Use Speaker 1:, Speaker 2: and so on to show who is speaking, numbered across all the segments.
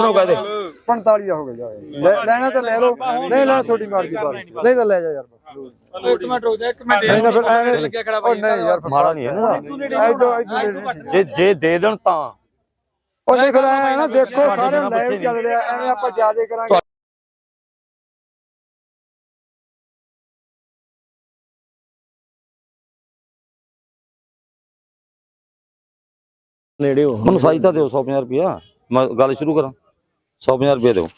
Speaker 1: कहते
Speaker 2: 45 ਦਾ ਹੋ ਗਿਆ ਲੈਣਾ ਤਾਂ ਲੈ ਲਓ ਨਹੀਂ ਲੈਣਾ ਤੁਹਾਡੀ ਮਰਜ਼ੀ ਨਹੀਂ ਤਾਂ ਲੈ ਜਾ ਯਾਰ
Speaker 3: ਇੱਕ ਮਿੰਟ ਰੁਕ ਜਾ ਇੱਕ ਮਿੰਟ
Speaker 2: ਨਹੀਂ ਤਾਂ ਫਿਰ ਐਵੇਂ ਲੱਗਿਆ ਖੜਾ ਬਾਈ ਨਹੀਂ ਯਾਰ
Speaker 1: माड़ा नहीं है ना जे दे देन ता
Speaker 2: ਉਹ ਨਹੀਂ ਫਿਰ ਐ ਨਾ ਦੇਖੋ ਸਾਰੇ ਲਾਈਵ ਚੱਲ ਰਿਹਾ ਐਵੇਂ ਆਪਾਂ ਜ਼ਿਆਦਾ ਕਰਾਂਗੇ
Speaker 1: नेड़े हो ਮੈਨੂੰ ਸਾਈ ਤਾਂ ਦਿਓ 150 ਰੁਪਿਆ ਮੈਂ ਗੱਲ ਸ਼ੁਰੂ ਕਰਾਂ 150 ਰੁਪਏ ਦਿਓ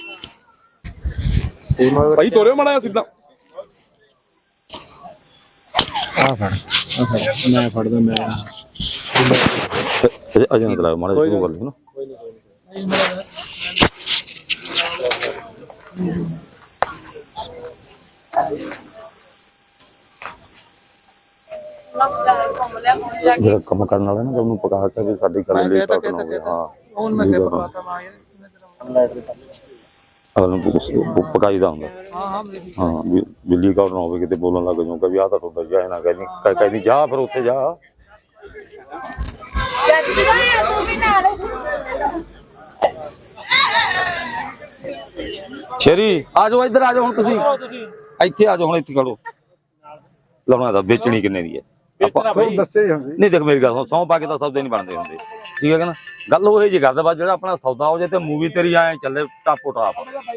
Speaker 3: ਭਾਈ ਤੋਰਿਓ ਮਾੜਾ ਸਿੱਧਾ
Speaker 4: ਆ ਫੜ ਮੈਂ ਫੜਦਾ ਮੈਂ
Speaker 1: ਅਜੇ ਨਾ ਚਲਾਓ ਮਾੜਾ ਸ਼ੁਰੂ ਕਰ ਲਈ ਨਾ ਜਿਹੜਾ ਕੰਮ ਕਰਨ ਵਾਲਾ ਨਾ ਉਹਨੂੰ ਪਕਾ ਕੇ ਵੀ ਸਾਡੀ ਕਰਨ ਲਈ ਤਾਂ ਹਾਂ
Speaker 3: ਹੁਣ ਮੈਂ ਕਿਹਾ ਪਕਾਤਾ ਮਾਂ
Speaker 1: ਯਾਰ ਪਕਾਈ ਦਾ ਹੁੰਦਾ ਹਾਂ ਬਿੱਲੀ ਕੌਰ ਨਾ ਹੋਵੇ ਕਿਤੇ ਬੋਲਣ ਲੱਗ ਜਾਊਗਾ ਵੀ ਆਹ ਤਾਂ ਤੁਹਾਡਾ ਜਾ ਨਾ ਕਹਿੰਦੀ ਜਾ ਫਿਰ ਉੱਥੇ ਜਾ ਸ਼ੇਰੀ ਆ ਜਾਓ ਇੱਧਰ ਆ ਜਾਓ ਹੁਣ ਤੁਸੀਂ ਇੱਥੇ ਆ ਜਾਓ ਹੁਣ ਇੱਥੇ ਖੜੋ ਲਾਉਣਾ ਤਾਂ ਵੇਚਣੀ ਕਿੰਨੇ ਦੀ ਹੈ ਆਪਾਂ
Speaker 2: ਦੱਸੇ ਹੀ ਹੁੰਦੀ
Speaker 1: ਨਹੀਂ ਦੇਖ ਮੇਰੀ ਗੱਲ ਸੌਂ ਪਾ ਕੇ ਤਾਂ ਸੌਦੇ ਨਹੀਂ ਬਣਦੇ ਹੁੰਦੇ ਠੀਕ ਹੈ ਕਿ ਨਾ ਗੱਲ ਉਹ ਜੀ ਕਰਦਾ ਬਸ ਜਿਹੜਾ ਆਪਣਾ ਸੌਦਾ ਹੋ ਜਾਏ ਤੇ ਮੂਵੀ ਤੇਰੀ ਆਏ ਚੱਲੇ ਟਾਪੋ ਟਾਪ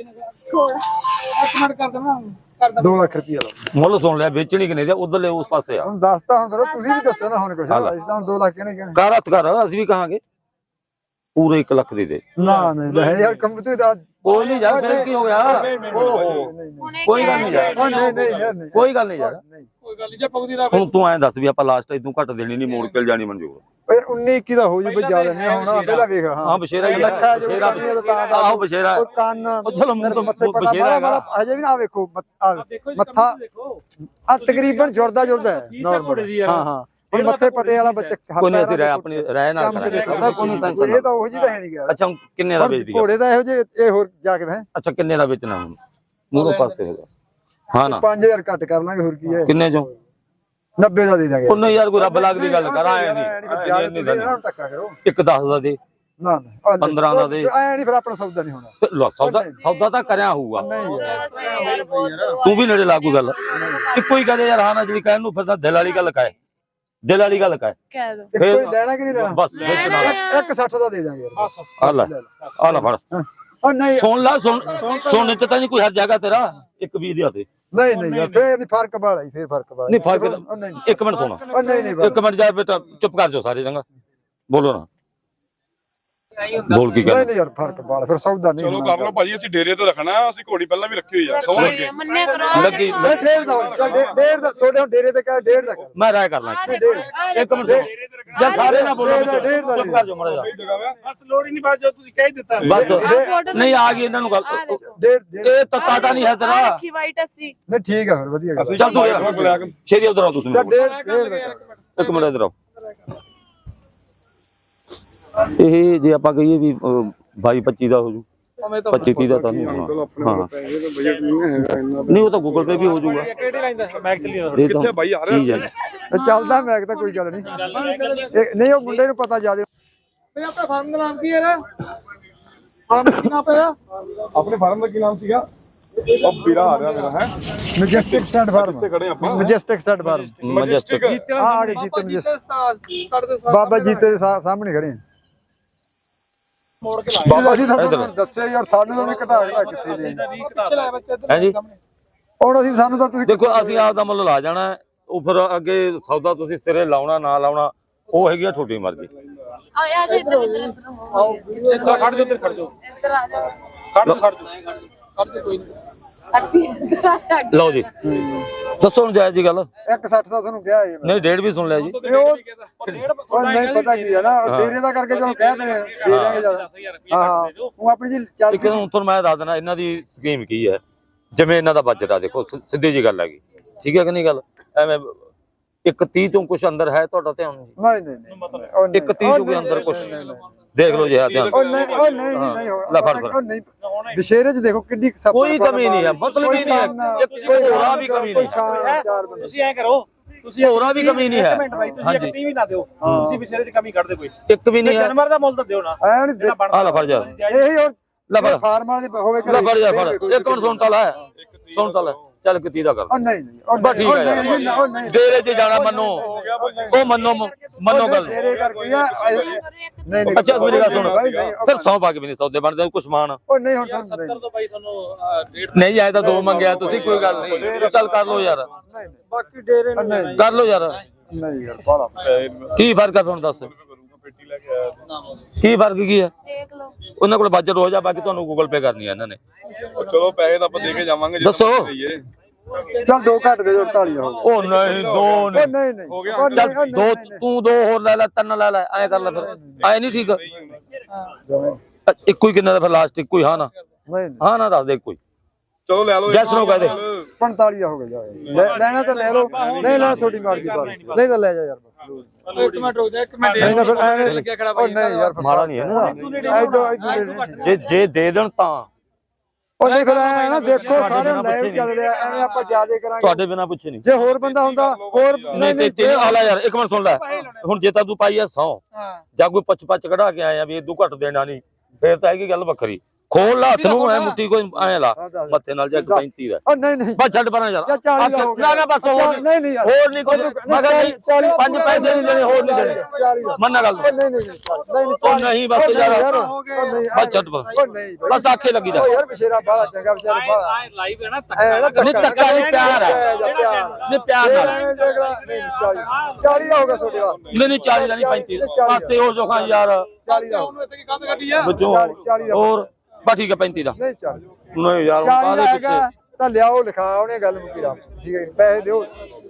Speaker 3: ਇੱਕ ਮਿੰਟ ਕਰ ਦੇਣਾ
Speaker 2: 2 ਲੱਖ ਰੁਪਏ
Speaker 1: ਮੁੱਲ ਸੁਣ ਲਿਆ ਵੇਚਣੀ ਕਿੰਨੇ ਦੀ ਉਧਰਲੇ ਉਸ ਪਾਸੇ ਆ
Speaker 2: ਹੁਣ ਦੱਸਤਾ ਹੁਣ ਫਿਰ ਤੁਸੀਂ ਵੀ ਦੱਸੋ ਨਾ ਹੁਣ ਕੁਛ ਅਸੀਂ ਤਾਂ 2 ਲੱਖ ਕਿਹਨੇ ਕਹਿਣਾ
Speaker 1: ਕਰ ਹੱਥ ਕਰ ਅਸੀਂ ਵੀ ਕਹਾਂਗੇ ਪੂਰੇ 1 ਲੱਖ ਦੀ ਦੇ
Speaker 2: ਨਾ ਨਹੀਂ ਲੈ ਯਾਰ ਕੰਪਨੀ ਦਾ
Speaker 1: ਕੋਈ ਨਹੀਂ ਯਾਰ ਫਿਰ ਕੀ ਹੋ ਗਿਆ ਕੋਈ ਗੱਲ ਨਹੀਂ ਯਾਰ
Speaker 2: ਨਹੀਂ ਯਾਰ ਨਹੀਂ
Speaker 1: ਕੋਈ ਗੱਲ ਨਹੀਂ ਯਾਰ
Speaker 3: ਕੋਈ ਗੱਲ ਨਹੀਂ ਜੇ ਪਗਦੀ ਦਾ
Speaker 1: ਹੁਣ ਤੂੰ ਐਂ ਦੱਸ ਵੀ ਆਪਾਂ ਲਾਸਟ ਇਦੋਂ ਘੱਟ ਦੇਣੀ ਨਹੀਂ ਮੋੜ ਕੇ ਜਾਣੀ ਮਨਜ਼ੂਰ
Speaker 2: ਓਏ 19 21 ਦਾ ਹੋ ਜੂ ਬਈ ਜ਼ਿਆਦਾ ਨਹੀਂ ਹੋਣਾ ਪਹਿਲਾਂ ਵੇਖ
Speaker 1: ਹਾਂ ਬਸ਼ੇਰਾ ਹੀ ਬਸ਼ੇਰਾ ਆਹੋ ਬਸ਼ੇਰਾ
Speaker 2: ਉਹ ਕੰਨ
Speaker 1: ਚਲੋ ਮੂੰਹ ਤੋਂ
Speaker 2: ਮੱਥੇ
Speaker 1: ਬਸ਼ੇਰਾ
Speaker 2: ਪਤਾ ਹਜੇ ਵੀ ਨਾ ਵੇਖੋ ਮੱਥਾ ਆ ਤਕਰੀਬਨ ਜੁੜਦਾ ਹੈ ਹਾਂ ਹਾਂ ਹੁਣ ਮੱਥੇ ਪਟੇ ਵਾਲਾ ਬੱਚਾ
Speaker 1: ਕੋਈ ਨਹੀਂ ਅਸੀਂ ਰਹਿ ਆਪਣੀ ਰਹਿ ਨਾਲ ਕਰਾਂਗੇ ਕੋਈ ਨਹੀਂ ਟੈਨਸ਼ਨ
Speaker 2: ਇਹ ਤਾਂ ਉਹੀ ਤਾਂ ਹੈ ਨਹੀਂ ਗਿਆ
Speaker 1: ਅੱਛਾ ਕਿੰਨੇ ਦਾ ਵੇਚਦੀ
Speaker 2: ਘੋੜੇ ਦਾ ਇਹੋ ਜਿਹੇ ਇਹ ਹੋਰ ਜਾ ਕੇ ਹੈ
Speaker 1: ਅੱਛਾ ਕਿੰਨੇ ਦਾ ਵੇਚਣਾ ਹੁਣ ਮੂਹਰੋਂ ਪਾਸੇ ਹੈਗਾ ਹਾਂ ਨਾ
Speaker 2: 5000 ਘੱਟ ਕਰ ਲਾਂਗੇ ਹੋਰ ਕੀ ਹੈ
Speaker 1: ਕਿੰਨੇ ਚੋਂ
Speaker 2: 90 ਦਾ ਦੇ ਦਾਂਗੇ
Speaker 1: ਉਹਨੇ ਯਾਰ ਕੋਈ ਰੱਬ ਲੱਗਦੀ ਗੱਲ ਕਰ ਆਏ ਨਹੀਂ
Speaker 2: ਧੱਕਾ ਕਰੋ
Speaker 1: ਇੱਕ 10 ਦਾ ਦੇ
Speaker 2: ਨਾ
Speaker 1: 15 ਦਾ ਦੇ
Speaker 2: ਐ ਨਹੀਂ ਫਿਰ ਆਪਣਾ ਸੌਦਾ ਨਹੀਂ ਹੋਣਾ
Speaker 1: ਸੌਦਾ ਤਾਂ ਕਰਿਆ ਹੋਊਗਾ
Speaker 2: ਨਹੀਂ ਯਾਰ
Speaker 1: ਤੂੰ ਵੀ ਨੇੜੇ ਲਾ ਕੋਈ ਗੱਲ ਇੱਕੋ ਹੀ ਕਹਦੇ ਯਾਰ ਹਾਂ ਨਾ ਜਿਹੜੀ ਕਹਿਣ ਨੂੰ ਫਿਰਦਾ ਦਿਲ ਵਾਲੀ ਗੱਲ ਕਾਏ ਦਿਲ ਵਾਲੀ ਗੱਲ ਕਾਏ
Speaker 5: ਕਹਿ ਦੋ
Speaker 2: ਕੋਈ ਲੈਣਾ ਕਿ ਨਹੀਂ ਲੈਣਾ
Speaker 1: ਬਸ ਵੇਚਣਾ
Speaker 2: 160 ਦਾ ਦੇ ਦਾਂਗੇ ਯਾਰ
Speaker 1: ਆ ਲੈ ਫੜ
Speaker 2: ਉਹ ਨਹੀਂ
Speaker 1: ਸੁਣ ਲਾ ਸੁਣ ਤੇ ਤਾਂ ਨਹੀਂ ਕੋਈ ਹਰ ਜਗ੍ਹਾ ਤੇਰਾ ਇੱਕ 20 ਦੇ ਹੱਥੇ
Speaker 2: ਨਹੀਂ ਯਾਰ ਫੇਰ ਨਹੀਂ ਫਰਕ ਬਾਲਾ ਫੇਰ ਫਰਕ ਬਾਲਾ
Speaker 1: ਨਹੀਂ ਫਰਕ ਇੱਕ ਮਿੰਟ ਸੁਣ
Speaker 2: ਨਹੀਂ
Speaker 1: ਇੱਕ ਮਿੰਟ ਜਾ ਬੇਟਾ ਚੁੱਪ ਕਰ ਜਾਓ ਸਾਰੇ ਚੰਗਾ ਬੋਲੋ ਨਾ ਬੋਲ ਕੀ ਕਰ
Speaker 2: ਨਹੀਂ ਯਾਰ ਫਰਕ ਬਾਲਾ ਫਿਰ ਸੌਦਾ ਨਹੀਂ
Speaker 3: ਚਲੋ ਕਰ ਲਓ ਭਾਜੀ ਅਸੀਂ ਡੇਰੇ ਤੇ ਰੱਖਣਾ ਅਸੀਂ ਘੋੜੀ ਪਹਿਲਾਂ ਵੀ ਰੱਖੀ ਹੋਈ ਆ ਸੌਣ ਲੱਗੇ
Speaker 5: ਮੰਨਿਆ ਕਰੋ
Speaker 1: ਲੱਗੀ
Speaker 2: ਡੇਢ ਦਾ ਚੱਲ ਡੇਢ ਦਾ ਤੁਹਾਡੇ ਡੇਰੇ ਤੇ ਕਹ ਡੇਢ ਦਾ ਕਰ
Speaker 1: ਮੈਂ ਰਾਇ ਕਰ ਲਾਂ ਇੱਕ ਮਿੰਟ ਜਾਂ ਸਾਰੇ ਨਾ ਬੋਲੋ ਚੁੱਪ ਕਰ ਜਾਓ ਮੜਾ ਜਾ
Speaker 3: ਬਸ ਲੋੜ ਹੀ ਨਹੀਂ ਬਾਤ ਜੋ ਤੁਸੀਂ ਕਹਿ ਦਿੱਤਾ
Speaker 1: ਬਸ ਨਹੀਂ ਆ ਗਈ ਇਹਨਾਂ ਨੂੰ ਗੱਲ
Speaker 2: ਡੇਢ
Speaker 1: ਇਹ ਤੱਤਾ ਤਾਂ ਨਹੀਂ ਹੈ ਤੇਰਾ
Speaker 5: ਰੱਖੀ ਵਾਈਟ ਅਸੀਂ
Speaker 2: ਨਹੀਂ ਠੀਕ ਆ ਫਿਰ ਵਧੀਆ ਗੱਲ
Speaker 1: ਚੱਲ ਤੂੰ ਸ਼ੇਰੀ ਉਧਰ ਆ ਤੁਸੀਂ
Speaker 2: ਡੇਢ
Speaker 1: ਇੱਕ ਮਿੰਟ ਇਧਰ ਆਓ ਇਹ ਜੇ ਆਪਾਂ ਕਹੀਏ ਵੀ 22 25 ਦਾ ਹੋ ਜੂ 25 30 ਦਾ ਤਾਂ ਨਹੀਂ ਹੋਣਾ ਹਾਂ
Speaker 3: ਬਜਟ ਨਹੀਂ ਹੈਗਾ ਇੰਨਾ
Speaker 1: ਨਹੀਂ ਉਹ ਤਾਂ ਗੂਗਲ ਪੇ ਵੀ ਹੋ ਜੂਗਾ
Speaker 3: ਕਿਹੜੀ ਲਾਈਨ ਦਾ ਮੈਕ ਚੱਲੀ
Speaker 1: ਕਿੱਥੇ
Speaker 3: ਬਾਈ ਆ ਰਿਹਾ
Speaker 1: ਚੀਜ਼ ਹੈ
Speaker 2: ਚੱਲਦਾ ਮੈਂ ਤਾਂ ਕੋਈ ਗੱਲ ਨਹੀਂ ਨਹੀਂ ਉਹ ਮੁੰਡੇ ਨੂੰ ਪਤਾ ਜਿਆਦਾ
Speaker 3: ਤੇ ਆਪਣਾ ਫਾਰਮ ਦਾ ਨਾਮ ਕੀ ਹੈ ਫਾਰਮ ਦਾ ਕੀ ਨਾਮ ਪਿਆ ਆਪਣੇ ਫਾਰਮ ਦਾ ਕੀ ਨਾਮ ਸੀਗਾ ਉਹ ਵੀਰਾ ਆ ਰਿਹਾ ਮੇਰਾ ਹੈ
Speaker 2: ਮੈਜੈਸਟਿਕ ਸਟੈਂਡ ਫਾਰਮ
Speaker 3: ਕਿੱਥੇ ਖੜੇ ਆਪਾਂ
Speaker 2: ਮੈਜੈਸਟਿਕ ਸਟੈਂਡ ਫਾਰਮ
Speaker 1: ਮਜੈਸਟਿਕ
Speaker 2: ਆ ਗਏ ਜੀਤੇ ਮੈਜੈਸਟਿਕ ਬਾਬਾ ਜੀਤੇ ਦੇ ਸਾਹਮਣੇ ਖੜੇ
Speaker 3: ਮੋੜ ਕੇ
Speaker 2: ਬਾਬਾ ਜੀ ਤੁਹਾਨੂੰ ਦੱਸਿਆ ਯਾਰ ਸਾਨੂੰ ਤਾਂ ਉਹਨੇ ਘਟਾ ਘਟਾ ਕਿੱਥੇ ਦੇ
Speaker 3: ਪਿੱਛੇ ਲੈ ਬੱਚੇ
Speaker 1: ਹੈ ਜੀ
Speaker 2: ਹੁਣ ਅਸੀਂ ਸਾਨੂੰ ਤਾਂ ਤੁਸੀਂ
Speaker 1: ਦੇਖੋ ਅਸੀਂ ਆਪ ਦਾ ਮੁੱਲ ਲਾ ਜਾਣਾ ਉਹ ਫਿਰ ਅੱਗੇ ਸੌਦਾ ਤੁਸੀਂ ਸਿਰੇ ਲਾਉਣਾ ਨਾ ਲਾਉਣਾ ਉਹ ਹੈਗੀ ਆ ਤੁਹਾਡੀ ਮਰਜ਼ੀ
Speaker 5: ਆ ਜਾ ਇੱਧਰ
Speaker 3: ਆਓ ਇੱਧਰ ਖੜ ਜਾਓ ਇੱਧਰ ਖੜ ਜਾਓ
Speaker 5: ਇੱਧਰ ਆ ਜਾ
Speaker 3: ਖੜ ਜਾਓ ਕੋਈ ਨਹੀਂ
Speaker 1: ਲਓ ਜੀ ਦੱਸੋ ਹੁਣ ਜਾਇਜ਼ ਜੀ ਗੱਲ
Speaker 2: 160 ਦਾ ਤੁਹਾਨੂੰ ਕਿਹਾ ਜੀ
Speaker 1: ਨਹੀਂ ਡੇਢ ਵੀ ਸੁਣ ਲਿਆ ਜੀ
Speaker 2: ਉਹ ਨਹੀਂ ਪਤਾ ਕੀ ਹੈ ਨਾ ਡੇਰੇ ਦਾ ਕਰਕੇ ਚਲੋ ਕਹਿ ਦਿੰਦੇ ਦੇ ਦਾਂਗੇ ਜਿਆਦਾ ਹਾਂ ਉਹ ਆਪਣੀ ਜੀ ਚੱਲ
Speaker 1: ਇੱਕ ਹੁਣ ਤੁਹਾਨੂੰ ਮੈਂ ਦੱਸ ਦੇਣਾ ਇਹਨਾਂ ਦੀ ਸਕੀਮ ਕੀ ਹੈ ਜਿਵੇਂ ਇਹਨਾਂ ਦਾ ਬਜਟ ਆ ਦੇਖੋ ਸਿੱਧੀ ਜੀ ਗੱਲ ਹੈਗੀ ਠੀਕ ਹੈ ਕਿ ਨਹੀਂ ਗੱਲ ਐਵੇਂ ਇੱਕ 30 ਤੋਂ ਕੁਝ ਅੰਦਰ ਹੈ ਤੁਹਾਡਾ ਧਿਆਨ
Speaker 2: ਨਹੀਂ
Speaker 1: ਇੱਕ 30 ਤੋਂ ਕੋਈ ਅੰਦਰ ਕੁਝ ਦੇਖ ਲਓ ਜੀ ਆ ਧਿਆਨ
Speaker 2: ਉਹ ਨਹੀਂ
Speaker 1: ਲੈ ਫੜ ਫੜ
Speaker 2: ਨਹੀਂ ਵਿਸ਼ੇਰੇ ਚ ਦੇਖੋ ਕਿੰਨੀ
Speaker 1: ਕੋਈ ਕਮੀ ਨਹੀਂ ਹੈ ਮਤਲਬ ਹੀ ਨਹੀਂ ਹੈ ਕੋਈ ਥੋੜਾ ਵੀ ਕਮੀ ਨਹੀਂ
Speaker 3: ਤੁਸੀਂ ਐ ਕਰੋ
Speaker 6: ਤੁਸੀਂ
Speaker 1: ਹੋਰਾਂ ਵੀ ਕਮੀ ਨਹੀਂ ਹੈ।
Speaker 6: ਇੱਕ ਮਿੰਟ ਬਾਈ ਤੁਸੀਂ ਇੱਕ 30 ਵੀ ਨਾ ਦਿਓ ਤੁਸੀਂ ਵਿਸ਼ੇਰੇ 'ਚ ਕਮੀ ਕੱਢ ਦਿਓ ਕੋਈ
Speaker 1: ਇੱਕ ਵੀ ਨਹੀਂ ਹੈ।
Speaker 6: ਜਾਨਵਰ ਦਾ ਮੁੱਲ ਤਾਂ ਦਿਓ ਨਾ
Speaker 2: ਐ ਨਹੀਂ
Speaker 6: ਜਿਹੜਾ ਬਣਦਾ
Speaker 1: ਆ ਲੈ ਫੜ ਜਾ
Speaker 2: ਇਹੀ ਹੋਰ
Speaker 1: ਲੈ ਫੜ
Speaker 2: ਫਾਰਮਾਂ ਦੇ ਹੋਵੇ
Speaker 1: ਲੈ ਫੜ ਜਾ ਫੜ ਇੱਕ ਮਿੰਟ ਸੁਣ ਤਾਂ ਲੈ ਸੁਣ ਤਾਂ ਲੈ ਚੱਲ ਕਿਤੀ ਦਾ ਕਰ
Speaker 2: ਉਹ ਨਹੀਂ ਉਹ
Speaker 1: ਬਸ ਠੀਕ ਹੈ ਯਾਰ
Speaker 2: ਉਹ ਨਹੀਂ
Speaker 1: ਡੇਰੇ 'ਚ ਜਾਣਾ ਮੰਨੋ ਉਹ ਮੰਨੋ ਗੱਲ
Speaker 2: ਤੇਰੇ ਕਰਕੇ ਆ ਨਹੀਂ ਨਹੀਂ
Speaker 1: ਅੱਛਾ ਮੇਰੀ ਗੱਲ ਸੁਣ ਫਿਰ 100 ਪਾ ਕੇ ਵੀ ਨਹੀਂ ਸੌਦੇ ਬਣਦੇ ਕੁਛ ਮਾਨ
Speaker 2: ਉਹ ਨਹੀਂ ਹੁਣ
Speaker 6: 70 ਤੋਂ ਬਾਈ ਤੁਹਾਨੂੰ ਰੇਟ
Speaker 1: ਨਹੀਂ ਆਏ ਤਾਂ 2 ਮੰਗਿਆ ਤੁਸੀਂ ਕੋਈ ਗੱਲ ਨਹੀਂ ਚੱਲ ਕਰ ਲਓ ਯਾਰ
Speaker 2: ਬਾਕੀ ਡੇਰੇ ਨਹੀਂ
Speaker 1: ਕਰ ਲਓ ਯਾਰ
Speaker 2: ਨਹੀਂ ਯਾਰ ਬਾਲਾ
Speaker 1: ਕੀ ਫਰਕ ਆ ਹੁਣ ਦੱਸ ਕੀ ਫਰਕ ਕੀ ਹੈ
Speaker 5: ਦੇਖ ਲਓ
Speaker 1: ਉਹਨਾਂ ਕੋਲ ਬਜਟ ਹੋ ਜਾ ਬਾਕੀ ਤੁਹਾਨੂੰ ਗੂਗਲ ਪੇ ਕਰਨੀ ਹੈ ਇਹਨਾਂ ਨੇ
Speaker 3: ਚਲੋ ਪੈਸੇ ਤਾਂ ਆਪਾਂ ਦੇ ਕੇ ਜਾਵਾਂਗੇ
Speaker 1: ਦੱਸੋ
Speaker 2: ਚੱਲ 2 ਘੱਟ ਦੇ 48 ਹੋ ਗਏ
Speaker 1: ਉਹ ਨਹੀਂ 2
Speaker 2: ਉਹ
Speaker 1: ਨਹੀਂ
Speaker 2: ਨਹੀਂ ਨਹੀਂ
Speaker 3: ਹੋ ਗਿਆ।
Speaker 2: ਉਹ
Speaker 1: ਚੱਲ
Speaker 2: ਨਹੀਂ,
Speaker 1: 2
Speaker 2: ਨਹੀਂ,
Speaker 1: ਤੂੰ 2 ਹੋਰ ਲੈ ਲੈ 3 ਲੈ ਲੈ ਐ ਕਰ ਲੈ ਫਿਰ ਐ ਨਹੀਂ ਠੀਕ
Speaker 2: ਜਮਾਂ।
Speaker 1: ਇੱਕੋ ਹੀ ਕਿੰਨਾ ਦਾ ਫਿਰ ਲਾਸਟ ਇੱਕੋ ਹੀ ਹਾਂ ਨਾ
Speaker 2: ਨਹੀਂ
Speaker 1: ਹਾਂ ਨਾ ਦੱਸ ਦੇ ਕੋਈ
Speaker 3: ਚਲੋ ਲੈ ਲਓ
Speaker 1: ਜੈਸ ਨੂੰ ਕਹਿ ਦੇ
Speaker 2: 45 ਦਾ ਹੋ ਗਿਆ ਲੈਣਾ ਤਾਂ ਲੈ ਲਓ ਨਹੀਂ ਲੈਣਾ ਤੁਹਾਡੀ ਮਰਜ਼ੀ ਕਰ ਨਹੀਂ ਤਾਂ ਲੈ ਜਾ ਯਾਰ
Speaker 6: ਇੱਕ ਮਿੰਟ ਰੁਕ ਜਾ ਇੱਕ ਮਿੰਟ
Speaker 2: ਨਹੀਂ ਤਾਂ ਫਿਰ ਐਵੇਂ ਲੱਗਿਆ ਖੜਾ ਉਹ ਨਹੀਂ ਯਾਰ
Speaker 1: ਮਾੜਾ ਨਹੀਂ ਹੈ ਨਾ
Speaker 2: ਇਦੋਂ
Speaker 1: ਜੇ ਦੇ ਦੇਣ ਤਾਂ
Speaker 2: ਉਹ ਨਹੀਂ ਫਿਰ ਐ ਨਾ ਦੇਖੋ ਸਾਰੇ ਲਾਈਵ ਚੱਲ ਰਿਹਾ ਐਵੇਂ ਆਪਾਂ ਜਿਆਦੇ ਕਰਾਂਗੇ
Speaker 1: ਤੁਹਾਡੇ ਬਿਨਾ ਪੁੱਛੇ ਨਹੀਂ
Speaker 2: ਜੇ ਹੋਰ ਬੰਦਾ ਹੁੰਦਾ ਹੋਰ
Speaker 1: ਨਹੀਂ ਤੇ ਤੇ ਆਲਾ ਯਾਰ ਇੱਕ ਮਿੰਟ ਸੁਣ ਲੈ ਹੁਣ ਜੇ ਤਾਂ ਤੂੰ ਪਾਈ ਆ 100 ਜਾਂ ਕੋਈ ਪੱਚ ਕਢਾ ਕੇ ਆਇਆ ਵੀ ਇਹ 2 ਘੱਟ ਦੇਣਾ ਨਹੀਂ ਫੇਰ ਤਾਂ ਹੈਗੀ ਗੱਲ ਵੱਖਰੀ ਖੋਲ ਲਾ ਹੱਥ ਨੂੰ ਐ ਮੁੱਠੀ ਕੋਈ ਐ ਲਾ ਮੱਥੇ ਨਾਲ ਜਾ 35 ਦਾ
Speaker 2: ਉਹ ਨਹੀਂ ਨਹੀਂ
Speaker 1: ਬਸ ਛੱਡ ਪਰਾਂ ਯਾਰ
Speaker 2: ਜਾਂ 40 ਦਾ ਹੋ ਗਿਆ
Speaker 1: ਨਾ ਨਾ ਬਸ ਹੋਰ
Speaker 2: ਨਹੀਂ ਨਹੀਂ ਯਾਰ
Speaker 1: ਹੋਰ ਨਹੀਂ ਕੋਈ ਮੈਂ ਕਿਹਾ ਨਹੀਂ
Speaker 2: 40
Speaker 1: 5 ਪੈਸੇ ਨਹੀਂ ਦੇਣੇ ਹੋਰ ਨਹੀਂ ਦੇਣੇ
Speaker 2: 40 ਦਾ
Speaker 1: ਮੰਨ ਗੱਲ
Speaker 2: ਨਹੀਂ ਨਹੀਂ ਨਹੀਂ
Speaker 1: ਉਹ ਨਹੀਂ ਬਸ ਯਾਰ
Speaker 2: ਨਹੀਂ
Speaker 1: ਬਸ ਛੱਡ ਪਰਾਂ
Speaker 2: ਉਹ ਨਹੀਂ
Speaker 1: ਬਸ ਆਖੇ ਲੱਗੀ ਦਾ
Speaker 2: ਉਹ ਯਾਰ ਬਸ਼ੇਰਾ ਬਾਲਾ ਚੰਗਾ ਵਿਚਾਰਾ ਬਾਲਾ
Speaker 6: ਆਏ ਲਾਈਵ ਹੈ ਨਾ
Speaker 1: ਨਹੀਂ ਧੱਕਾ ਨਹੀਂ ਪਿਆਰ ਹੈ ਨਹੀਂ ਪਿਆਰ ਨਾਲ
Speaker 2: ਨਹੀਂ 40 ਦਾ ਹੋਗਾ ਤੁਹਾਡੇ ਦਾ
Speaker 1: ਨਹੀਂ ਨਹੀਂ 40 ਦਾ ਨਹੀਂ 35 ਪਾਸੇ ਹੋ ਜੋ ਖਾਂ ਯਾਰ
Speaker 2: 40 ਦਾ
Speaker 6: ਉਹਨੂੰ ਇੱਥੇ ਕੀ ਕੰਧ ਕੱਢੀ ਆ
Speaker 1: ਬੱਚੋ
Speaker 2: 40 ਦਾ
Speaker 1: ਹੋਰ ਬਸ ਠੀਕ ਹੈ 35 ਦਾ
Speaker 2: ਨਹੀਂ 40
Speaker 1: ਨਹੀਂ ਯਾਰ
Speaker 2: 40
Speaker 1: ਕਾਹਦੇ
Speaker 2: ਦਾ
Speaker 1: ਪਿੱਛੇ
Speaker 2: ਹੈਗਾ ਤਾਂ ਲਿਆਓ ਲਿਖਾ ਉਹਨੇ ਗੱਲ ਮੁਕੀ ਰਾਮ ਠੀਕ ਹੈ ਪੈਸੇ ਦਿਓ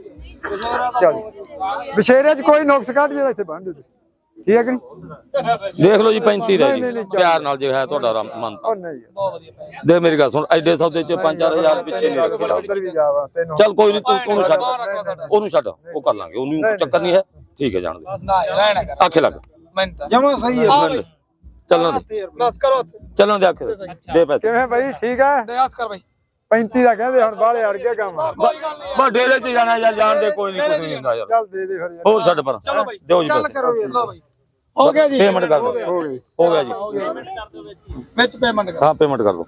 Speaker 2: ਚਲ ਬਸ਼ੇਰੇ 'ਚ ਕੋਈ ਨੁਕਸ ਕੱਢ ਜਿਹੜਾ ਇੱਥੇ ਬੰਨ ਦਿਓ ਤੁਸੀਂ ਠੀਕ ਹੈ ਕਿ ਨਹੀਂ
Speaker 1: ਦੇਖ ਲਓ ਜੀ 35 ਦਾ
Speaker 2: ਨਹੀਂ,
Speaker 1: ਜੀ
Speaker 2: ਨਹੀਂ,
Speaker 1: ਪਿਆਰ ਨਾਲ ਜੇ ਹੈ ਤੁਹਾਡਾ ਮਨ
Speaker 2: ਉਹ ਨਹੀਂ ਯਾਰ
Speaker 1: ਦੇ ਮੇਰੀ ਗੱਲ ਸੁਣ ਐਡੇ ਸੌਦੇ ਚ 5-4000 ਪਿੱਛੇ ਨਹੀਂ ਰੱਖਦਾ
Speaker 2: ਉਧਰ ਵੀ ਜਾਵਾ ਤੈਨੂੰ
Speaker 1: ਚੱਲ ਕੋਈ ਨਹੀਂ ਤੂੰ ਉਹਨੂੰ ਛੱਡ ਉਹਨੂੰ ਛੱਡ ਉਹ ਕਰ ਲਾਂਗੇ ਉਹਨੂੰ ਚੱਕਰ ਨਹੀਂ ਹੈ ਠੀਕ ਹੈ ਜਾਣ ਦੇ
Speaker 6: ਨਾ ਰਹਿਣਾ ਕਰ
Speaker 1: ਆਖੇ ਲੱਗ
Speaker 2: ਜਮਾ ਸਹੀ ਹੈ
Speaker 1: ਚੱਲਣ ਦੇ
Speaker 6: ਬਸ ਕਰੋ
Speaker 1: ਚੱਲਣ ਦੇ ਆਖੇ ਦੇ ਪੈਸੇ
Speaker 2: ਕਿਵੇਂ ਭਾਈ ਠੀਕ ਹੈ
Speaker 6: ਦੇ ਹੱਥ ਕਰ ਬਾਈ
Speaker 2: 35 ਦਾ ਕਹਿੰਦੇ ਹੁਣ ਬਾਹਲੇ ਅੜ ਗਿਆ ਕੰਮ
Speaker 1: ਬਸ ਡੇਰੇ ਚ ਜਾਣਾ ਯਾਰ ਜਾਣ ਦੇ ਕੋਈ ਨਹੀਂ ਕੁਝ ਨਹੀਂ ਹੁੰਦਾ ਯਾਰ
Speaker 2: ਚੱਲ ਦੇ ਦੇ ਫਿਰ ਯਾਰ
Speaker 1: ਹੋਰ ਛੱਡ ਪਰ
Speaker 6: ਚਲੋ ਬਾਈ
Speaker 1: ਦਿਓ ਜੀ
Speaker 6: ਚੱਲ
Speaker 1: ਪੈਸੇ
Speaker 6: ਕਰੋ ਲਓ ਬਾਈ ਹੋ ਗਿਆ ਜੀ
Speaker 1: ਪੇਮੈਂਟ ਕਰ ਦਿਓ
Speaker 2: ਹੋ ਗਈ
Speaker 1: ਹੋ ਗਿਆ ਜੀ
Speaker 6: ਵਿੱਚ ਪੇਮੈਂਟ ਕਰ
Speaker 1: ਹਾਂ ਪੇਮੈਂਟ ਕਰ ਦਿਓ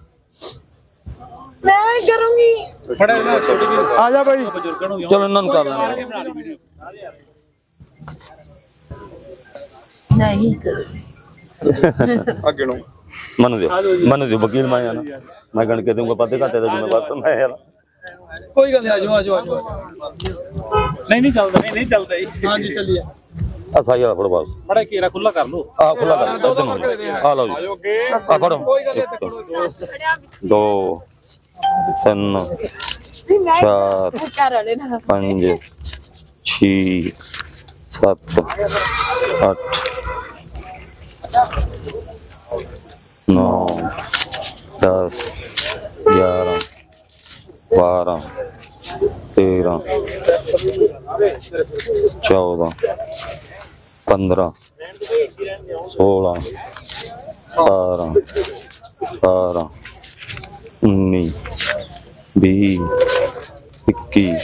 Speaker 5: ਮੈਂ ਕਰੂੰਗੀ
Speaker 6: ਬੜਾ ਇਹਨਾਂ ਛੋਟੀ ਵੀ
Speaker 2: ਆ ਜਾ ਭਾਈ
Speaker 6: ਬਜ਼ੁਰਗਾਂ ਨੂੰ
Speaker 1: ਚਲੋ ਇਹਨਾਂ ਨੂੰ ਕਰ ਲੈਂਦੇ
Speaker 5: ਨਹੀਂ
Speaker 3: ਅੱਗੇ ਨੂੰ
Speaker 1: ਮਨ ਦਿਓ ਵਕੀਲ ਮੈਂ ਆ ਨਾ ਮੈਂ ਗਣ ਕੇ ਦੂੰਗਾ ਪਾਦੇ ਘਾਟੇ ਦਾ ਜ਼ਿੰਮੇਵਾਰ ਤਾਂ ਮੈਂ ਯਾਰ
Speaker 6: ਕੋਈ ਗੱਲ ਨਹੀਂ ਆਜੋ ਨਹੀਂ ਚੱਲਦਾ ਨਹੀਂ ਚੱਲਦਾ ਜੀ ਹਾਂਜੀ ਚੱਲੀਏ
Speaker 1: ਆ ਸਾਈ ਵਾਲਾ ਫੜੋ ਬਾਸ
Speaker 6: ਬੜਾ ਘੇਰਾ ਖੁੱਲਾ ਕਰ ਲਓ
Speaker 1: ਆ ਖੁੱਲਾ ਕਰ ਇਧਰ ਨੂੰ ਆ ਲਓ ਜੀ ਆ ਫੜੋ
Speaker 6: ਕੋਈ ਗੱਲ ਨਹੀਂ
Speaker 1: 2 3
Speaker 5: ਮੈਂ
Speaker 1: 4
Speaker 5: ਕਰ ਵਾਲੇ ਨਾ
Speaker 1: 5 6 7 8 9 10 11 12 13 14 15 16 17 18 19 20 21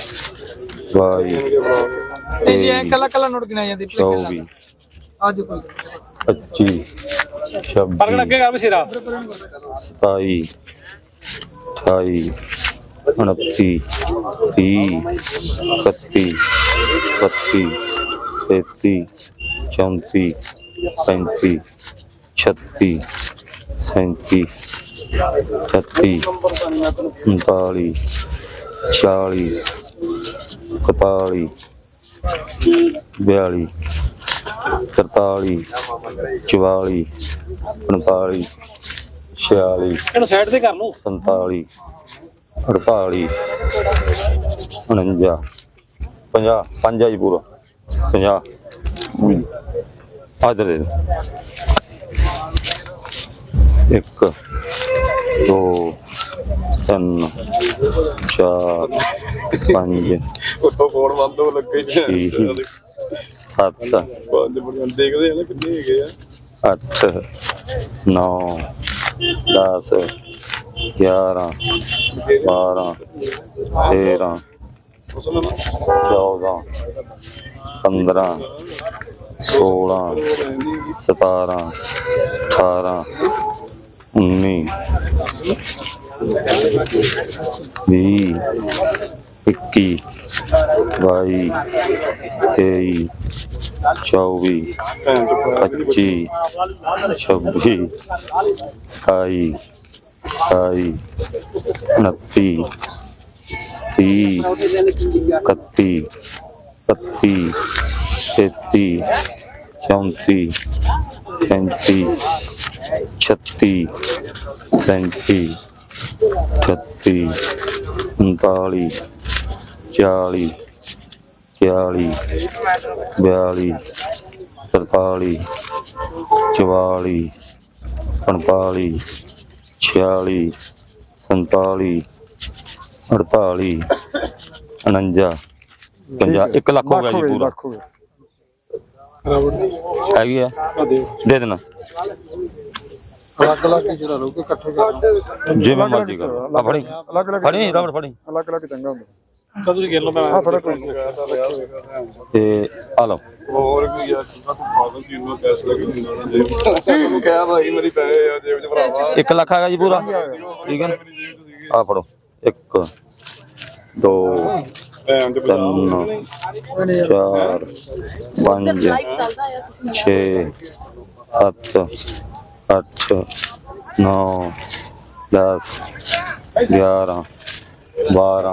Speaker 1: 22
Speaker 6: ਜੀ ਐ ਕੱਲਾ ਕੱਲਾ ਨੋਟ ਗਿਣਾ ਜਾਂਦੀ
Speaker 1: 24
Speaker 6: ਅੱਜ ਕੋਈ
Speaker 1: 25 26
Speaker 6: ਪਰਗੜ ਅੱਗੇ ਕਰ ਬਸ਼ੀਰਾ
Speaker 1: 27 28 29 30 31 32 33 34 35 36 37 38 39 40 41 42 43 44 45 46
Speaker 6: ਇਹਨੂੰ ਸਾਈਡ ਤੇ ਕਰ ਲਓ
Speaker 1: 47 48 49 50 5 ਜੀ ਪੂਰਾ 50 ਆਦਰ ਦੇ 1 2 3 4 5
Speaker 3: ਉੱਤੋਂ ਫੋਨ ਬੰਦ ਹੋ ਲੱਗੇ
Speaker 1: 6 7
Speaker 3: ਦੇਖਦੇ ਆ ਨਾ ਕਿੰਨੇ ਹੈਗੇ ਆ
Speaker 1: 8 9 10 11 12 13 14 15 16 17 18 19 20 21 22 23 24 25 26 27 28 29 30 31 32 33 34 35 36 37 38 39 40 41 42 43 44 45 46 47 48 49 50 1 ਲੱਖ ਹੋ ਗਿਆ ਜੀ ਪੂਰਾ
Speaker 2: ਲੱਖ ਹੋ ਗਿਆ।
Speaker 1: ਹੈਗੀ ਆ ਦੇ ਦੇਣਾ
Speaker 2: ਅਲੱਗ ਅਲੱਗ ਹੀ ਜਿਹੜਾ ਲੋਕ ਇਕੱਠੇ ਕਰ
Speaker 1: ਜਿਵੇਂ ਮਰਜ਼ੀ ਕਰੋ ਆ ਫੜੀ
Speaker 2: ਅਲੱਗ ਅਲੱਗ
Speaker 1: ਫੜੀ ਰਬੜ ਫੜੀ
Speaker 2: ਅਲੱਗ ਅਲੱਗ ਚੰਗਾ ਹੁੰਦਾ।
Speaker 6: ਕਦੋਂ ਤੁਸੀਂ ਗਿਣ ਲਓ ਮੈਂ
Speaker 2: ਆ ਫੜਾ ਕੋਈ
Speaker 1: ਤੇ ਆ ਲਓ
Speaker 3: ਹੋਰ ਕੀ ਯਾਰ ਪਾਗਲ ਸੀ ਉਹਨੂੰ ਪੈਸੇ ਲੱਗੇ ਤੈਨੂੰ ਕਿਹਾ ਭਾਈ ਮੇਰੀ ਪੈਸੇ ਆ ਜੇਬ 'ਚ ਭਰਾਵਾ
Speaker 1: 1 ਲੱਖ ਹੈਗਾ ਜੀ ਪੂਰਾ ਠੀਕ ਹੈ ਨਾ ਆ ਫੜੋ 1 2
Speaker 3: ਭੈਣ ਦੇ
Speaker 1: 3 4 5 6 7 8 9 10 11 12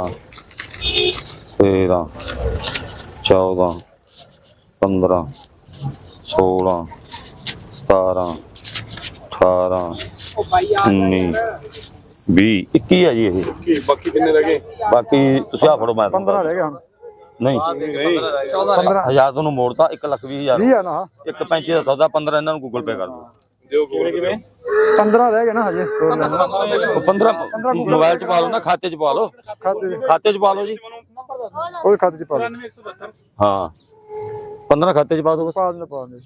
Speaker 1: 13 14 15 16 17 18 19 20 21 ਹੈ ਜੀ ਇਹ
Speaker 3: ਬਾਕੀ ਕਿੰਨੇ ਰਹਿ ਗਏ
Speaker 1: ਬਾਕੀ ਤੁਸੀਂ ਆ ਫੜੋ ਮੈਂ
Speaker 2: 15 ਰਹਿ ਗਿਆ ਹੁਣ
Speaker 1: ਨਹੀਂ
Speaker 2: 15
Speaker 1: 1000 ਤੁਹਾਨੂੰ ਮੋੜਤਾ 1,20,000
Speaker 2: 20 ਆ ਨਾ
Speaker 1: 1,35 ਦਾ ਸੌਦਾ 15 ਇਹਨਾਂ ਨੂੰ ਗੂਗਲ ਪੇ ਕਰ ਦਿਓ
Speaker 3: ਜੋ ਕਿਵੇਂ
Speaker 2: 15 ਰਹਿ ਗਏ ਨਾ ਹਜੇ ਹੋਰ ਲੈਣਾ।
Speaker 1: ਉਹ 15 ਮੋਬਾਈਲ ਚ ਪਾ ਲਓ ਨਾ ਖਾਤੇ ਚ ਪਾ ਲਓ ਖਾਤੇ ਚ ਪਾ ਲਓ ਜੀ
Speaker 2: ਉਹਦੇ ਖਾਤੇ ਚ ਪਾ ਦਿਓ।
Speaker 1: ਹਾਂ 15 ਖਾਤੇ ਚ ਪਾ ਦਿਓ ਬਸ
Speaker 2: ਪਾ ਦਿੰਦੇ ਪਾ ਦਿੰਦੇ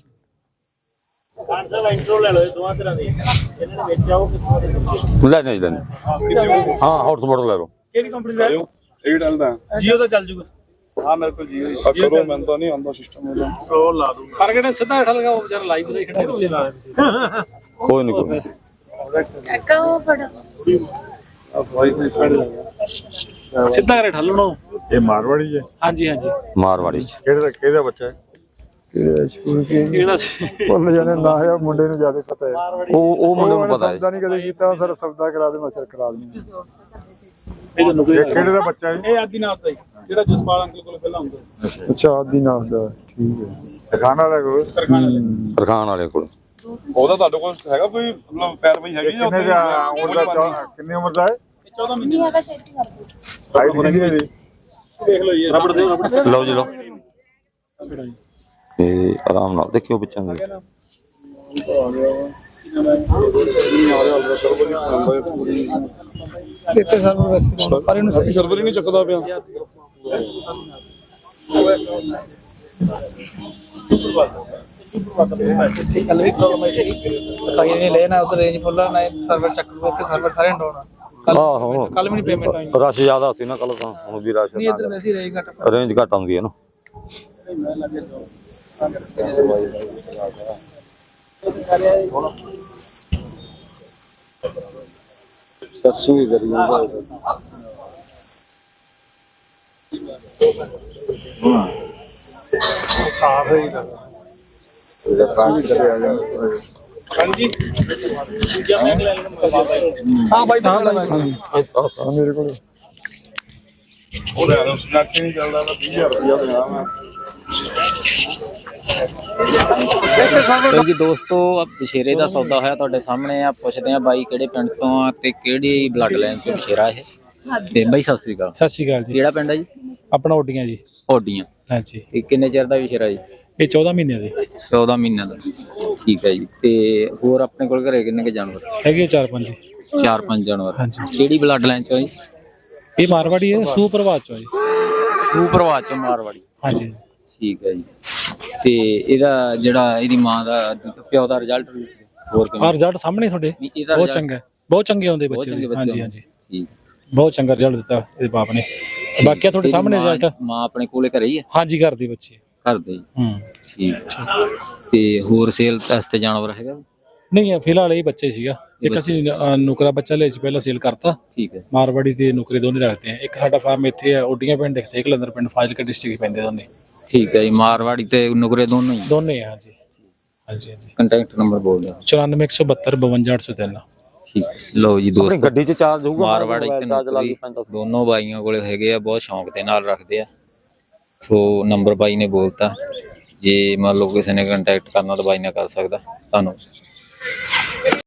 Speaker 1: ਲੈ ਨਹੀਂ ਲੈਣੇ ਹਾਂ ਹੌਟਸਪੌਟ ਲੈ ਲਓ
Speaker 6: ਕਿਹੜੀ ਕੰਪਨੀ ਦਾ
Speaker 3: ਇਹ ਡਲਦਾ
Speaker 6: ਜੀਓ ਦਾ ਚੱਲ ਜੂਗਾ ਹਾਂ ਮੇਰੇ ਕੋਲ ਜੀਓ
Speaker 3: ਕਰੋ ਮੈਨੂੰ ਤਾਂ ਨਹੀਂ ਆਉਂਦਾ ਸਿਸਟਮ ਉਹਦਾ ਉਹ ਲਾ ਦੂੰਗਾ
Speaker 6: ਪਰ ਕਿਹੜਾ ਸਿੱਧਾ ਹੇਠਾਂ ਲਗਾ ਉਹ ਵਿਚਾਰਾ ਲਾਈਵ ਦੇ ਖੜੇ ਪਿੱਛੇ ਲਾ
Speaker 1: ਕੋਈ ਨਹੀਂ ਕੋਈ
Speaker 5: ਕਾਕਾ ਉਹ ਫੜਾ
Speaker 6: ਸਿੱਧਾ ਕਰੇ ਠੱਲਣੋ
Speaker 3: ਇਹ ਮਾਰਵਾੜੀ ਹੈ
Speaker 6: ਹਾਂਜੀ ਹਾਂਜੀ
Speaker 1: ਮਾਰਵਾੜੀ ਚ
Speaker 3: ਕਿਹਦਾ ਬੱਚਾ ਹੈ
Speaker 2: ਕਿਹੜੇ ਸਕੂਲ ਕੀ
Speaker 6: ਕਿਹੜਾ
Speaker 2: ਭੁੱਲ ਜਾਣੇ ਨਾ ਯਾਰ ਮੁੰਡੇ ਨੂੰ ਜ਼ਿਆਦਾ ਪਤਾ ਹੈ
Speaker 1: ਉਹ ਮੁੰਡੇ ਨੂੰ ਪਤਾ ਹੈ
Speaker 2: ਸੌਦਾ ਨਹੀਂ ਕਦੇ ਕੀਤਾ ਸਰ ਸੌਦਾ ਕਰਾ ਦੇ ਮਸਰ ਕਰਾ ਦੇ
Speaker 6: ਇਹ ਤੁਹਾਨੂੰ
Speaker 3: ਕਿਹੜੇ ਦਾ ਬੱਚਾ ਹੈ
Speaker 6: ਇਹ ਆਦੀਨਾਥ ਦਾ ਜਿਹੜਾ ਜਸਪਾਲ ਅੰਕਲ ਕੋਲ ਪਹਿਲਾਂ ਹੁੰਦਾ
Speaker 2: ਅੱਛਾ ਆਦੀ ਨਾਮ ਦਾ ਠੀਕ ਹੈ
Speaker 3: ਖਾਣਾ ਦਾ ਕੋਈ
Speaker 1: ਤਰਖਾਨ ਵਾਲੇ ਕੋਲ
Speaker 3: ਉਹਦਾ ਤੁਹਾਡੇ ਕੋਲ ਹੈਗਾ ਕੋਈ ਮਤਲਬ ਪੈਰ ਪਈ ਹੈਗੀ ਜਾਂ ਕਿੰਨੀ ਉਮਰ ਦਾ ਹੈ
Speaker 6: 14 ਮਹੀਨੇ
Speaker 5: ਨਹੀਂ ਹੈਗਾ ਛੇਤੀ ਕਰ ਦਿਓ
Speaker 3: ਹਾਈਟ ਕਿੰਨੀ ਹੈ ਜੀ
Speaker 6: ਦੇਖ ਲਓ ਜੀ ਰਬੜ ਦੇ ਰਬੜ
Speaker 1: ਲਓ ਜੀ ਲਓ ਤੇ ਆਰਾਮ ਨਾਲ ਦੇਖਿਓ ਬੱਚਿਆਂ ਦੇ
Speaker 6: ਇੱਥੇ ਸਾਨੂੰ ਰੈਸਪੀ ਪਰ ਇਹਨੂੰ ਸਹੀ
Speaker 3: ਸਰਵਰ ਹੀ ਨਹੀਂ ਚੱਕਦਾ ਪਿਆ
Speaker 6: ਕੱਲ ਵੀ ਪ੍ਰੋਬਲਮ ਆਈ ਸੀ ਕਾਈ ਨਹੀਂ ਲੈਣਾ ਉਧਰ ਰੇਂਜ ਫੁੱਲ ਨਾ ਸਰਵਰ ਚੱਕ ਲਓ ਇੱਥੇ ਸਰਵਰ ਸਾਰੇ ਡਾਊਨ
Speaker 1: ਆਹੋ
Speaker 6: ਕੱਲ ਵੀ ਨਹੀਂ ਪੇਮੈਂਟ ਆਈ
Speaker 1: ਰਸ਼ ਜ਼ਿਆਦਾ ਸੀ ਨਾ ਕੱਲ ਤਾਂ ਹੁਣ ਵੀ ਰਸ਼
Speaker 6: ਨਹੀਂ ਇੱਧਰ ਵੈਸੇ ਰੇਂਜ ਘੱਟ
Speaker 1: ਰੇਂਜ ਘੱਟ ਆਉਂਦੀ ਹੈ ਨਾ
Speaker 2: ਸਰਚਿੰਗ ਹੀ ਕਰੀ ਜਾਂਦਾ
Speaker 3: ਸਾਫ ਹੀ ਲੱਗਦਾ ਇਹਦਾ ਪਾਣੀ ਕਰਿਆ ਜਾ
Speaker 6: ਹਾਂਜੀ ਹਾਂ ਬਾਈ ਤਾਂ
Speaker 2: ਮੇਰੇ ਕੋਲ
Speaker 3: ਉਹ ਲੈ ਲਓ ਸਨੈਕ ਨਹੀਂ ਚੱਲਦਾ ਤਾਂ 20000 ਰੁਪਇਆ ਦੇਣਾ ਮੈਂ
Speaker 7: ਲੋ ਜੀ ਦੋਸਤੋ ਬਸ਼ੇਰੇ ਦਾ ਸੌਦਾ ਹੋਇਆ ਤੁਹਾਡੇ ਸਾਹਮਣੇ ਆ ਪੁੱਛਦੇ ਆ ਬਾਈ ਕਿਹੜੇ ਪਿੰਡ ਤੋਂ ਆ ਤੇ ਕਿਹੜੀ ਬਲੱਡ ਲਾਈਨ ਚੋਂ ਬਸ਼ੇਰਾ ਇਹ ਤੇ ਬਾਈ ਸਤਿ ਸ੍ਰੀ ਅਕਾਲ
Speaker 6: ਸਤਿ ਸ਼੍ਰੀ ਅਕਾਲ ਜੀ
Speaker 7: ਕਿਹੜਾ ਪਿੰਡ ਹੈ ਜੀ
Speaker 6: ਆਪਣਾ ਓਡੀਆਂ ਜੀ
Speaker 7: ਓਡੀਆਂ
Speaker 6: ਹਾਂਜੀ
Speaker 7: ਇਹ ਕਿੰਨੇ ਚਿਰ ਦਾ ਬਸ਼ੇਰਾ ਜੀ
Speaker 6: ਇਹ 14 ਮਹੀਨਿਆਂ ਦੇ
Speaker 7: 14 ਮਹੀਨਿਆਂ ਦਾ ਠੀਕ ਹੈ ਜੀ ਤੇ ਹੋਰ ਆਪਣੇ ਕੋਲ ਘਰੇ ਕਿੰਨੇ ਕੇ ਜਾਨਵਰ
Speaker 6: ਹੈਗੇ 4-5
Speaker 7: 4-5 ਜਾਨਵਰ
Speaker 6: ਹਾਂਜੀ
Speaker 7: ਕਿਹੜੀ ਬਲੱਡ ਲਾਈਨ ਚੋਂ ਜੀ
Speaker 6: ਇਹ ਮਾਰਵਾੜੀ ਹੈ ਸੁਪਰਵਾਚ ਚੋਂ ਜੀ
Speaker 7: ਟੂ ਪ੍ਰਵਾਦ ਚੋਂ ਮਾਰਵਾੜੀ
Speaker 6: ਹਾਂਜੀ
Speaker 7: ਠੀਕ ਹੈ ਜੀ ਤੇ ਇਹਦਾ ਜਿਹੜਾ ਇਹਦੀ ਮਾਂ ਦਾ ਪਿਓ ਦਾ ਰਿਜ਼ਲਟ ਹੋਰ
Speaker 6: ਆ
Speaker 7: ਕਿਵੇਂ
Speaker 6: ਰਿਜ਼ਲਟ ਸਾਹਮਣੇ ਤੁਹਾਡੇ
Speaker 7: ਇਹਦਾ
Speaker 6: ਬਹੁਤ
Speaker 7: result
Speaker 6: ਚੰਗਾ ਹੈ। ਬਹੁਤ ਚੰਗੇ ਆਉਂਦੇ
Speaker 7: ਬਹੁਤ
Speaker 6: ਬੱਚੇ
Speaker 7: ਚੰਗੇ
Speaker 6: ਵੀ।
Speaker 7: ਬੱਚੇ
Speaker 6: ਹਾਂਜੀ
Speaker 7: ਹੋਣ।
Speaker 6: ਹਾਂਜੀ
Speaker 7: ਠੀਕ
Speaker 6: ਬਹੁਤ ਚੰਗਾ ਰਿਜ਼ਲਟ ਦਿੱਤਾ ਇਹਦੇ ਬਾਪ ਨੇ
Speaker 4: ਬਾਕੀ ਤੁਹਾਡੇ ਸਾਹਮਣੇ ਰਿਜ਼ਲਟ।
Speaker 7: ਮਾਂ ਆਪਣੇ ਕੋਲੇ ਘਰੇ ਹੀ ਹੈ?
Speaker 4: ਹਾਂਜੀ ਘਰ ਦੇ ਬੱਚੇ।
Speaker 7: ਘਰ ਦੇ ਹੀ।
Speaker 4: ਹੂੰ
Speaker 7: ਠੀਕ ਤੇ ਹੋਰ ਸੇਲ ਵਾਸਤੇ ਜਾਨਵਰ ਹੈਗਾ?
Speaker 4: ਨਹੀਂ ਫਿਲਹਾਲ ਇਹ ਬੱਚਾ ਹੀ ਸੀਗਾ। ਇੱਕ ਅਸੀਂ ਨੁਕਰਾ ਬੱਚਾ ਲਿਆ ਸੀ ਪਹਿਲਾਂ, ਸੇਲ ਕਰਤਾ।
Speaker 7: ਠੀਕ ਹੈ।
Speaker 4: ਮਾਰਵਾੜੀ ਤੇ ਨੁਕਰੇ ਦੋਨੇ ਰੱਖਦੇ ਆ। ਇੱਕ ਸਾਡਾ ਫਾਰਮ ਇੱਥੇ ਆ ਓਡੀਆਂ ਪਿੰਡ, ਇੱਥੇ ਕਲੰਦਰ ਪਿੰਡ, ਫਾਜ਼ਿਲਕਾ ਡਿਸਟ੍ਰਿਕਟ ਪੈਂਦੇ ਦੋਨੇ।
Speaker 7: ਠੀਕ ਹੈ ਜੀ, ਮਾਰਵਾੜੀ ਤੇ ਨੁਕਰੇ ਦੋਨੋਂ ਹੀ?
Speaker 4: ਦੋਨੇ ਆ ਹਾਂਜੀ ਹਾਂਜੀ ਹਾਂਜੀ।
Speaker 7: ਕੰਟੈਕਟ ਨੰਬਰ ਬੋਲ ਦਿਓ।
Speaker 4: 94 172 52803।
Speaker 7: ਠੀਕ ਹੈ। ਲਓ ਜੀ ਦੋਸਤੋ,
Speaker 1: ਗੱਡੀ 'ਚ ਚਾਰਜ ਹੋਊਗਾ,
Speaker 7: ਮਾਰਵਾੜੀ ਤੇ ਨੁਕਰੀ ਦੋਨੋਂ ਬਾਈਆਂ ਕੋਲੇ ਹੈਗੇ ਆ, ਬਹੁਤ ਸ਼ੌਂਕ ਦੇ ਨਾਲ ਰੱਖਦੇ ਆ। ਸੋ ਨੰਬਰ ਬਾਈ ਨੇ ਬੋਲਤਾ, ਜੇ ਮੰਨ ਲਓ ਕਿਸੇ ਨੇ ਕੰਟੈਕਟ ਕਰਨਾ ਤਾਂ ਬਾਈ ਨਾਲ ਕਰ ਸਕਦਾ। ਧੰਨਵਾਦ।